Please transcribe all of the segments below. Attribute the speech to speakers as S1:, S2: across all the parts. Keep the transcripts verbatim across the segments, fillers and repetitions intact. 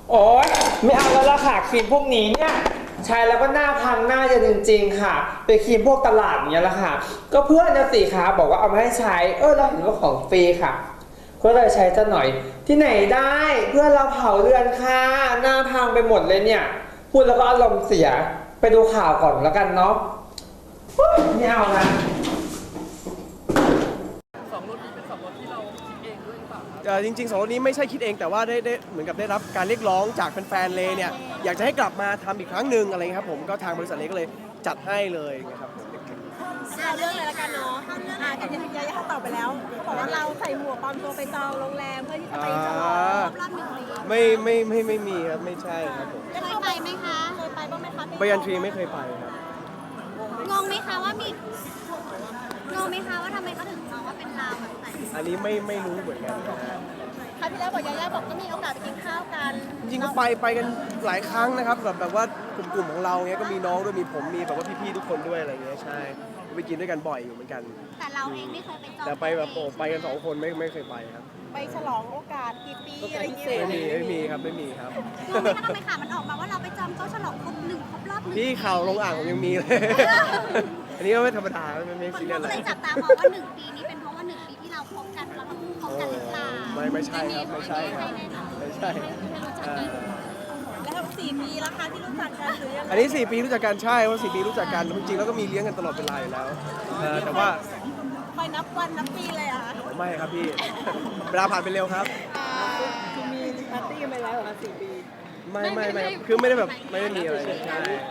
S1: โอ๊ยไม่เอาแล้วล่ะค่ะครีมพวกนี้เนี่ยใช้แล้วก็หน้าพังหน้าจะจริงๆค่ะเป็นครีมพวกตลาดอย่างเงี้ยแหละค่ะก็เพื่อนนะสิคะบอกว่าเอามาให้ใช้เออเราเห็นว่าของฟรีค่ะก็เลยใช้ซะหน่อยที่ไหนได้เพื่อนเราเผาเรือนค่ะหน้าพังไปหมดเลยเนี่ยพูดแล้วก็อารมณ์เสียไปดูข่าวก่อนแล้วกันเนาะไม่เอานะ
S2: สองรถนี้เป็นสองรถที่เราคิดเองด้วยหรือเปล่าครับ
S3: เอ่อจริงๆสองรถนี้ไม่ใช่คิดเองแต่ว่าได้ได้เหมือนกับได้รับการเรียกร้องจากแฟนๆเลยเนี่ยอยากจะให้กลับมาทำอีกครั้งหนึ่งอะไรเงี้ยครับผมก็ทางบริษัทเล็กก็เลยจัดให้เลยนะครับผม
S4: เอาเรื่องเลยละกันเนาะอ่ากันยังยายาตอบไปแล้วบอกว่าเราใส่หมวกปลอมตัวไปจองโรงแรมเพื่อที่จะไปฉลองครบรอบหนึ่งปี
S3: ไม่ไม่ไม่ไม่มีครับไม่ใช่ครับผม
S4: เคยไปไหมคะเคยไปบ้างไหมคะ
S3: ไปยันทรีไม่เคยไปครับ
S4: งงไหมคะว่ามีงงไหมคะว่าทำไมเขาถึงมองว่าเป็นเราแบบไหน
S3: อันนี้ไม่ไม่รู้เหมือนกันนะฮะ
S4: ครั้งที่แล้วบอกยายาบอกก็มีโอกาสไปกินข้าวกัน
S3: จริงๆก็ไปไปกันหลายครั้งนะครับแบบแบบว่ากลุ่มๆของเราเนี้ยก็มีน้องด้วยมีผมมีแบบว่าพี่ๆทุกคนด้วยอะไรเงี้ยใช่ไปกินด้วยกันบ่อยอยู่เหมือนกัน
S4: แต่เราเองไม่เคยไปจอง
S3: แต่ไปแบบโอ้ไปกันสองคนไม่ไม่เคยไปครับ
S4: ไปฉลองโอกาสกี่ปีอะไรอย่างเงี้ย
S3: ไม่มีไม่มีครับไม่มีครับ
S4: งงไหมคะทำไมข่าวมันออกมาว่าเราไปจองโต๊ะฉลองครบหนึ่งครบรอบหนึ่ง
S3: พี่ข่าวลงอ่างผมยังมีเลย อันนี้ก็ไม่ธรรมดาไม่ไม่
S4: คน
S3: ซีเรียส
S4: ก็
S3: อะไร
S4: เลยจับตามองว่าหนึ่งปีนี้เป็นเพราะว่าหนึ่งปีที่เราคบกันเราต้องคบกันหรือเปล่า
S3: ไม่ไม่ใช่ครับไม่ใช่ครับไม่ใช่อ่า
S4: แล้วสี่ปีแล้วคะที่รู้จักกันหรือยังไง
S3: อันนี้สี่ปีรู้จักกันใช่ว่าสี่ปีรู้จักกันจริงๆแล้วก็มีเลี้ยงกันตลอดเวลาอยู่แล้วเออแต่ว่า
S4: คอยนับวันนับปีเลยอะคะ
S3: ไม่ครับพี่ เวลาผ่านไปเร็วครับ
S4: คือมีปาร์ตี้กันไปแล้วเหรอคะสี่ปี
S3: ไม่ไม่ไม่คือไม่ได้แบบไม่ได้มีอะไรใช่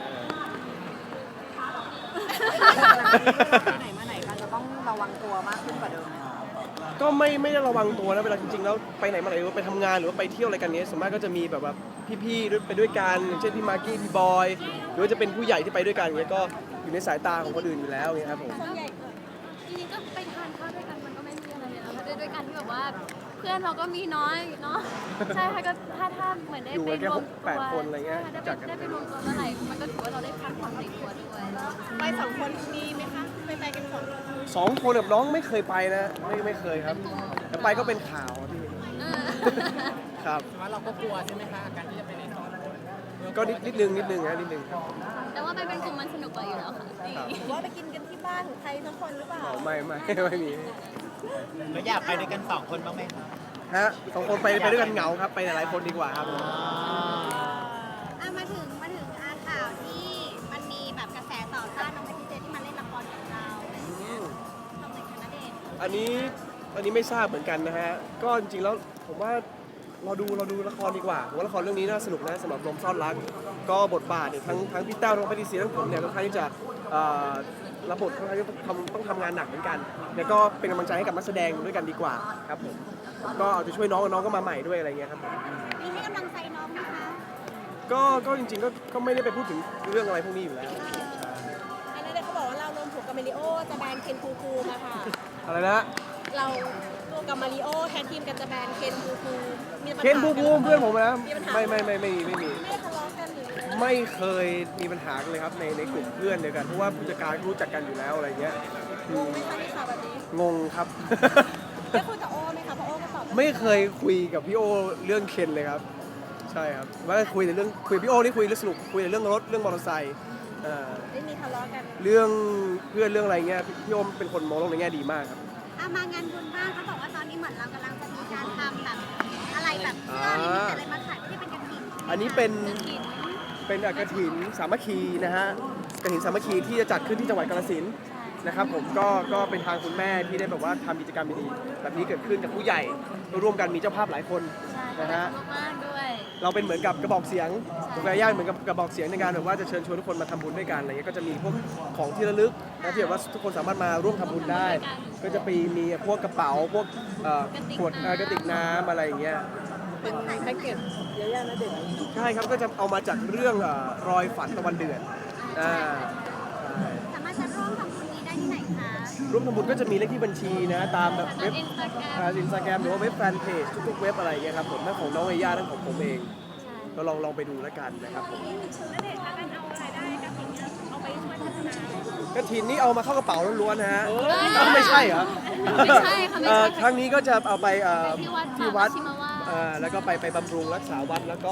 S5: ไหนมาไหนกันจะต้องระวังตัวมากขึ้นกว่าเดิมไหมคะ
S3: ก็ไม่ไม่ได้ระวังตัวนะเวลาจริงๆแล้วไปไหนมาไหนหรือว่าไปทำงานหรือว่าไปเที่ยวอะไรกันเนี้ยส่วนมากก็จะมีแบบว่าพี่ๆด้วยไปด้วยกันอย่างเช่นพี่มากกี้พี่บอยหรือว่าจะเป็นผู้ใหญ่ที่ไปด้วยกันเนี้ยก็อยู่ในสายตาของคนอื่นอยู่แล้วเงี้ยครับผม
S6: จริงๆก็ไปทานข้าวด้วยกันมันก็ไม่มีอะไรเลยนะคะด้วยด้วยกันที่แบบว่าเพื่อนเราก็มีน้อยเนาะใช่ค่ะก็ถ้าถ้าเหมือนได้
S3: อยู่
S6: ไป
S3: กันแค่
S6: รวม
S3: แป
S6: ตัว
S3: ดคนอะไรเงี้ย
S6: ใช่ได้
S3: จั
S6: ไป
S3: ดกัน
S6: ได้ไปรวมตัวเมื่อไหร่มันก็ถือว่าเราได้พักผ่อนในตัวด้วย
S4: ไปสองคนมีไหมคะไปไปกันสองคน
S3: สองคนกับน้องไม่เคยไปนะไม่ไม่เคยครับแต่ไปก็เป็นข่าวอะพี่
S6: เออ
S3: ครับ
S2: ว่าเราก็กลัวใช่ไหมคะการที่จะไปในสองคน
S3: ก็นิดนิดนึงนิดนึงนะนิดนึงครับ
S6: แต่ว่าไปเป็นกลุ่มมันสนุกกว่าอยู่แล้วค่ะ
S3: ครับ
S4: หรือว่าไปกินกันที่บ้านของใครทั้งคนหรือเปล่า
S3: อ๋อไม่ไม่ไม่มี
S2: แล้วอยากไปด้วยกันสองคนบ้างไหมคะ
S3: ฮะสองคนไปไปด้วยกันเหงาครับไปหลายๆคนดีกว่าครับ
S4: อ่ะมาถึงมาถึงอาข่าวที่มันมีแบบกระแสต่อต้านน้องแพทย์เจที่มาเล่นละครกับเราอะไรอย่างเงี้ยทำไมคะณเดชน์
S3: อันนี้อันนี้ไม่ทราบเหมือนกันนะฮะก็จริงๆแล้วผมว่าเราดูเราดูละครดีกว่าผมว่าละครเรื่องนี้น่าสนุกนะสำหรับลมซ่อนรักก็บทบาทเนี่ยทั้งทั้งพี่แต้วทั้งพี่ดีซีทั้งผมเนี่ยค่อนข้างที่จะเอ่อรับบทค่อนข้างที่จะทำต้องทำงานหนักเหมือนกันแล้วก็เป็นกำลังใจให้กับนักแสดงด้วยกันดีกว่าครับผมก็เอาใจะช่วยน้องน้องก็มาใหม่ด้วยอะไรเงี้ยครับผม
S4: มีให้กำลังใจน้องไหมคะ
S3: ก็ก็จริงๆก็ก็ไม่ได้ไปพูดถึงเรื่องอะไรพวกนี้อยู่แล้ว
S4: อันนั้นเด็กเขาบอกว่าเรารวมถูกกับมาริโอจะแบนเคนคูคูมาค่ะ
S3: อะไรนะ
S4: เราตัวกับมาริโอแทนทีมกันจะแบนเคนคูคูมีปัญหา
S3: เคนภูมิภูมิเพื่อนผมนะ
S4: มีปัญหา
S3: ไม่ไม่ไม่ไม่มีไม่มี
S4: ไม่ได้ทะเลาะกันหรือ
S3: ไม่เคยมีปัญหากันเลยครับในในกลุ่มเพื่อนเดียวกันเพราะว่าผู้จัดการรู้จักกันอยู่แล้วอะไรเงี้ย
S4: งงไหมคะในข่าวแบบนี้
S3: งงครับ
S4: ได้คุยกับโอไหมคะเพราะโอก็ตอบ
S3: ไม่เคยคุยกับพี่โอเรื่องเคนเลยครับ ใช่ครับว่าคุยแต่เรื่องคุยกับพี่โอนี่คุยเรื่องสนุกคุยแต่เรื่องรถเรื่องมอเตอร์ไซค์เอ่อ
S4: ไม่มีทะเลาะกัน
S3: เรื่องเพื่อนเรื่องอะไรเงี้ยพี่โอเป็นคนมองโลกในแง่ดีมากครับ
S4: อ่ะมางานบุญบ้างเขาบอกว่าตอนนี้เหมือนเรากำลังจะมีการทำแบบอะไรแบบเสื้อลิมิตอะไรมาขายไม่ได้เป็นกระถิ่น
S3: อันนี้เป็นเป็นกระถินสามัคคีนะฮะกระถินสามัคคีที่จะจัดขึ้นที่จังหวัดกาฬสินธุ์นะครับผมก็ก็เป็นทางคุณแม่ที่ได้แบบว่าทำกิจกรรมดีๆแบบนี้เกิดขึ้นกับผู้ใหญ่ร่วมกันมีเจ้าภาพหลายคน
S6: ใช่
S3: นะฮะ
S6: มากๆด้วย
S3: เราเป็นเหมือนกับกระบอกเสียงผมกับย่าเหมือนกับกระบอกเสียงในการแบบว่าจะเชิญชวนทุกคนมาทำบุญด้วยกันอะไรเงี้ยก็จะมีพวกของที่ระลึกนะที่แบบว่าทุกคนสามารถมาร่วมทำบุญได้ ก็จะไปมีพวกกระเป๋าพวกเอ่อขวดเอ่อกระติกน้ำอะไรอย่างเงี้ย
S4: เป็นแพ็กเกจเยอะแยะนะเด็ก
S3: ใช่ครับก็จะเอามาจากเรื่องเอ่อรอยฝันตะวันเดือนอ่าใช่
S4: สามารถจะร่วมทำบุญนี้ได้ที่ไหนคะ
S3: ร่วมทำบุญก็จะมีเลขที่บัญชีนะตามแบบเว็บ
S6: อินสตาแกรม
S3: อินสตาแกรมหรือว่าเว็บแฟนเพจทุกๆเว็บอะไรอย่างเงี้ยครับผมทั้งของน้องเอย่าทั้งของผมเองก็ลองลองไปดูแล้วกันนะครับผม
S4: แล้วเด็กคะการเอารายได้กับสิ่งนี้เอาไปช่วยพัฒนาก
S3: ระถินนี่เอามาเข้ากระเป๋าล้วนๆนะฮะอ้าวไม่ใช่เหรอ
S6: ไม่ใช่ค่ะไม่
S3: เอ่อ
S6: ใช่
S3: ครั้งนี้ก็จะเอาไปเอ่อ
S6: ที่วัด
S3: ที่วัด
S6: ป่าชิมาวาส
S3: เอ่อแล้วก็ไปไปบำรุงรักษาวัดแล้วก็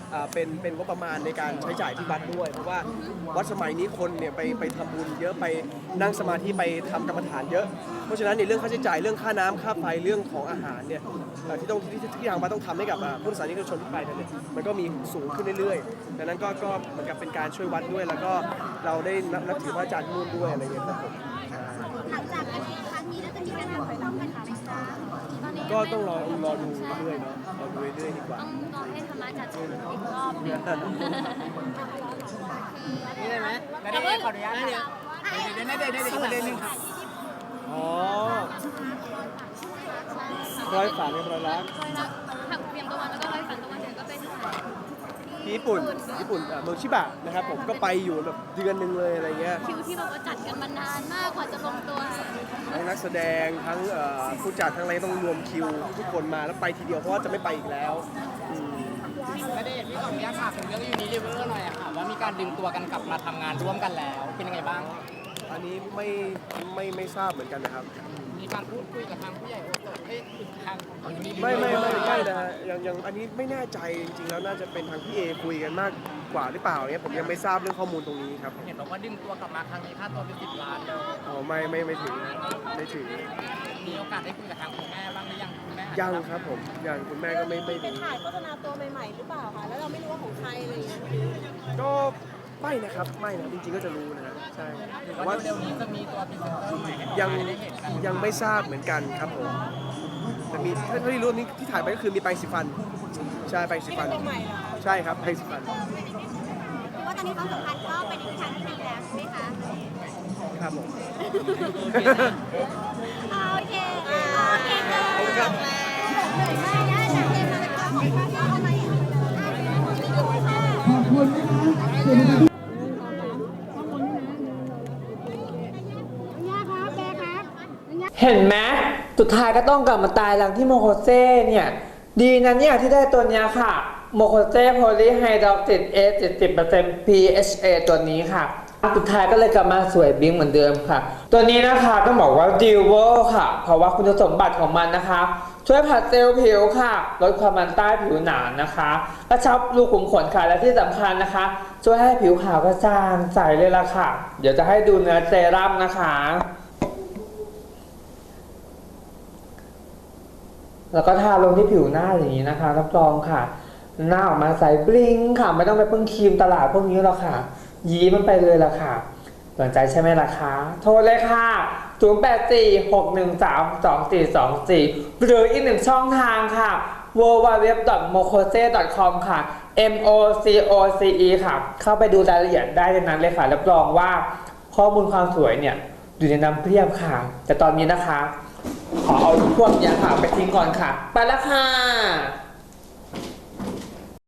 S3: อ่าเป็นเป็นงบประมาณในการใช้จ่ายที่วัดด้วยเพราะว่าวัดสมัยนี้คนเนี่ยไปไปทำบุญเยอะไปนั่งสมาธิไปทำกรรมฐานเยอะเพราะฉะนั้นในเรื่องค่าใช้จ่ายเรื่องค่าน้ำค่าไฟเรื่องของอาหารเนี่ยเอ่อที่ต้องที่ที่ทางวัดต้องทำให้กับอ่าผู้ศาสนิกชนที่ไปกันเนี่ยมันก็มีสูงขึ้นเรื่อยๆดังนั้นก็ก็เหมือนกับเป็นการช่วยวัดด้วย แล้วก็เราได้นับนับถือพระอาจารย์นู่นด้วยอะไรอย่างเงี้ยครับผม
S4: หลังจากการครั้งนี้แล้วจะมีการทำต้องกันไหมคะ
S6: ตอนนี้
S3: ก็ต้องรอรอดูเรื่อยๆเนาะรอดูเรื่อยๆดีกว่า
S6: ต้องรอให้ธรรมะจัดอีกรอบหนึง
S2: นี่ได้ไหมได้ได้ขออนุญาตเดี๋ยวเดี๋ยวได้ได้ได้ประเด็นหนึ่งครับ
S3: อ๋อร้อยฝาในร้อยรัก
S6: ร้อยละหักเพียงตะวันแล้วก็ร้อยฝันตะวันเดี๋ยวก็ไปถ่าย
S3: ที่ญี่ปุ่นญี่ปุ่นอ่ะเมืองชิบะนะครับผมก็ไปอยู่แบบเดือนหนึ่งเลยอะไรเงี้ย
S6: คิวที่แบบว่าจัดกันมานานมากกว่าจะลงตัว
S3: ทั้งนักแสดงทั้งเอ่อผู้จัดทั้งอะไรต้องรวมคิวทุกคนมาแล้วไปทีเดียวเพราะว่าจะไม่ไปอีกแล้วอืม
S2: ประเด็นที่ขออนุญาตถามถึงเรื่องยูนิลิเวอร์หน่อยอะค่ะว่ามีการดึงตัวกันกลับมาทำงานร่วมกันแล้วเป็นยังไงบ้าง
S3: อันนี้ไม่ไม่ไม่ทราบเหมือนกันนะครับ
S2: มีการพูดคุยกับทางผู้ใหญ่โอโซให้ถึงทางของยูนิลิเวอร์
S3: ไม่ไม่ไม่ไม่นะฮะยังยังอันนี้ไม่แน่ใจจริงๆแล้วน่าจะเป็นทางพี่เอคุยกันมากกว่าหรือเปล่าเนี่ยผมยังไม่ทราบเรื่องข้อมูลตรงนี้ครับ
S2: เห็นบอกว่าดึงตัวกลับมาครั้งนี้ค่าตัวเป็นสิบล้านเลย
S3: อ๋อไม่ไม่ไม่ถึงไม่ถึง
S2: มีโอกาสได้คุยกับทางคุณแม่บ้างหรือยังคุณแม่
S3: ยังครับผมยังคุณแม่ก็ไม่ไม่
S5: เป็น
S3: รู้
S5: ถ่ายโฆษณาตัวใหม่ๆหรือเปล่าคะแล้วเราไม่รู้ว่าของใครอะไรอย่างเงี้ย
S3: ก็ไม่นะครับไม่นะจริงๆก็จะรู้นะฮะใช่
S2: หรือ
S3: แต่
S2: ว่า
S3: ว่า
S2: เร็วๆนี้จะมีตัวพรีเซนเตอร์ใหม่ให้ออก
S3: ยัง
S2: มาได้เห็นกัน
S3: ยังไม่ทราบเหมือนกันครับผมแต่มีเท่าที่รู้นี่ที่ถ่ายไปก็คือมีไปสิฟันใช่ไปสิฟัน
S5: ตัวใหม่เหรอ
S3: ใช่ครับไปสิฟัน
S4: หรือว่าตอนนี้ความสัมพันธ์ก็ไปในทิศทางที่ดีแล้วใช่ไหมคะ
S3: ครับผม
S4: อ่าโอเคโอเคค่ะ
S3: ขอบคุณครับ
S4: เหนื่อยมากนะจากเกมมาเป็นการของข้าวอะไรอ่ะขอบคุณค่ะย่าครับแบครับ
S1: เห็นไหมสุดท้ายก็ต้องกลับมาตายหลังที่โมโคเซ่เนี่ยดีนะเนี่ยที่ได้ตัวเนี้ยค่ะโมโคเซ่โพลีไฮดรอกซิดเอ เจ็ดสิบเปอร์เซ็นต์ พี เอช เอ ตัวนี้ค่ะสุดท้ายก็เลยกลับมาสวยบิ้งเหมือนเดิมค่ะตัวนี้นะคะต้องบอกว่าดิวเวอร์ค่ะเพราะว่าคุณสมบัติของมันนะคะช่วยผัดเซลล์ผิวค่ะลดความมันใต้ผิวหนานะคะกระชับรูขุมขนค่ะและที่สำคัญนะคะช่วยให้ผิวขาวกระจ่างใสเลยล่ะค่ะเดี๋ยวจะให้ดูเนื้อเซรั่มนะคะแล้วก็ทาลงที่ผิวหน้าอย่างนี้นะคะรับรองค่ะหน้าออกมาใสบลิงค่ะไม่ต้องไปพึ่งครีมตลาดพวกนี้หรอกค่ะยีมันไปเลยล่ะค่ะสนใจใช่ไหมล่ะคะโทรเลยค่ะศูนย์ แปด สี่ หก หนึ่ง สาม สอง สี่ สอง สี่หรืออีกหนึ่งช่องทางค่ะ ดับเบิลยู ดับเบิลยู ดับเบิลยู ดอท โมโคเซ ดอท คอม ค่ะ เอ็ม โอ ซี โอ ซี อี ค่ะเข้าไปดูรายละเอียดได้ในนั้นเลยค่ะรับรองว่าข้อมูลความสวยเนี่ยอยู่ในน้ำเพียบค่ะแต่ตอนนี้นะคะขอเอาพวกนี้ค่ะไปทิ้งก่อนค่ะไปแล้วค่ะ